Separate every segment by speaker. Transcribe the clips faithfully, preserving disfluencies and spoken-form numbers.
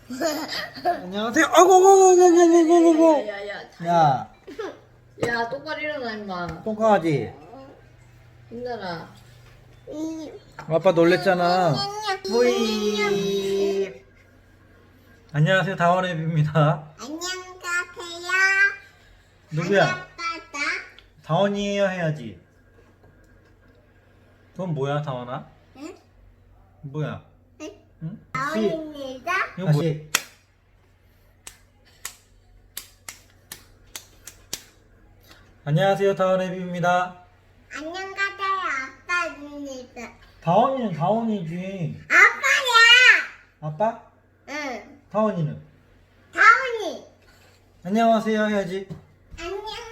Speaker 1: 안녕하세요. 아이고, 아이고, 아이고, 아이고, 아이고, 아이고.
Speaker 2: 야야야.
Speaker 1: 야,
Speaker 2: 야 똑바로 일어나 임마.
Speaker 1: 똥강아지.
Speaker 2: 힘내라.
Speaker 1: 아빠 놀랬잖아. 뿌이. 안녕하세요. 다원앱입니다.
Speaker 3: 안녕하세요.
Speaker 1: 누구야?
Speaker 3: 아빠다.
Speaker 1: 다원이에요 해야지. 그건 뭐야, 다원아?
Speaker 3: 응?
Speaker 1: 뭐야?
Speaker 3: 응?
Speaker 1: 응?
Speaker 3: 다원입니다.
Speaker 1: 이거 뭐야? 안녕하세요. 다원앱입니다.
Speaker 3: 안녕하세요. 아빠입니다.
Speaker 1: 다원이는 다원이지.
Speaker 3: 아빠야.
Speaker 1: 아빠?
Speaker 3: 응.
Speaker 1: 다원이는?
Speaker 3: 다원이.
Speaker 1: 안녕하세요 해야지.
Speaker 3: 안녕하세요.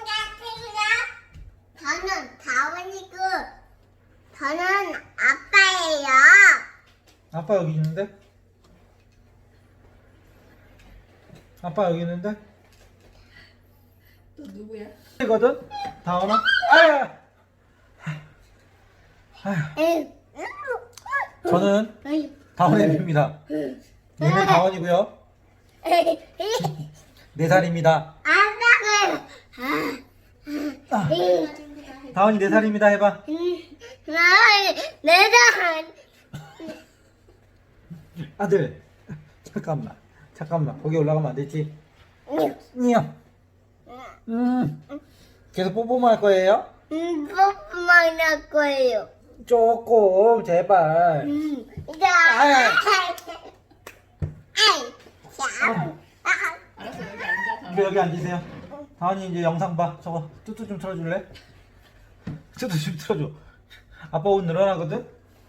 Speaker 3: 저는 다원이고 저는 아빠예요.
Speaker 1: 아빠 여기 있는데? 아빠 여기 있는데?
Speaker 2: 또 누구야?
Speaker 1: 이거든? 다원아? 아야! 아휴,
Speaker 3: 응.
Speaker 1: 저는 다원앱입니다. 얘는 다원이고요. 네 살입니다.
Speaker 3: 아빠가
Speaker 1: 아, 다원이 네 살입니다 해봐.
Speaker 3: 내가
Speaker 1: 아들, 잠깐만, 잠깐만. 거기 올라가면 안 되지. 냥. 음, 계속 뽀뽀만 할 거예요?
Speaker 3: 음, 뽀뽀만 할 거예요.
Speaker 1: 조금, 제발.
Speaker 3: 음, 자,
Speaker 1: 아야.
Speaker 3: 아이, 자,
Speaker 2: 알았어 여기 앉아.
Speaker 1: 이거 여기 앉으세요. 다원이 이제 영상 봐. 저거 뚜뚜 좀 틀어줄래? 뚜뚜 좀 틀어줘. 아빠 옷 늘어나거든?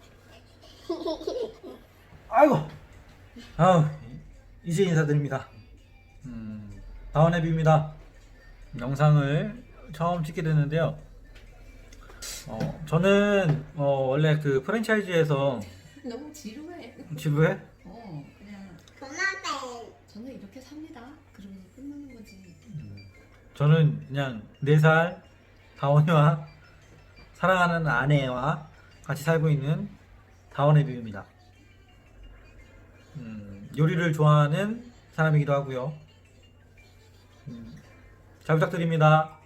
Speaker 1: 아이고. 아우, 이제 인사드립니다. 음, 다원앱입니다. 영상을 처음 찍게 됐는데요. 어, 저는 어, 원래 그 프랜차이즈에서
Speaker 2: 너무 지루해.
Speaker 1: 지루해?
Speaker 2: 어 그냥
Speaker 3: 고마워.
Speaker 2: 저는 이렇게 삽니다. 그러면서 끝나는 거지.
Speaker 1: 저는 그냥 네 살 다원이와 사랑하는 아내와 같이 살고 있는 다원앱입니다. 음, 요리를 좋아하는 사람이기도 하고요. 음, 잘 부탁드립니다.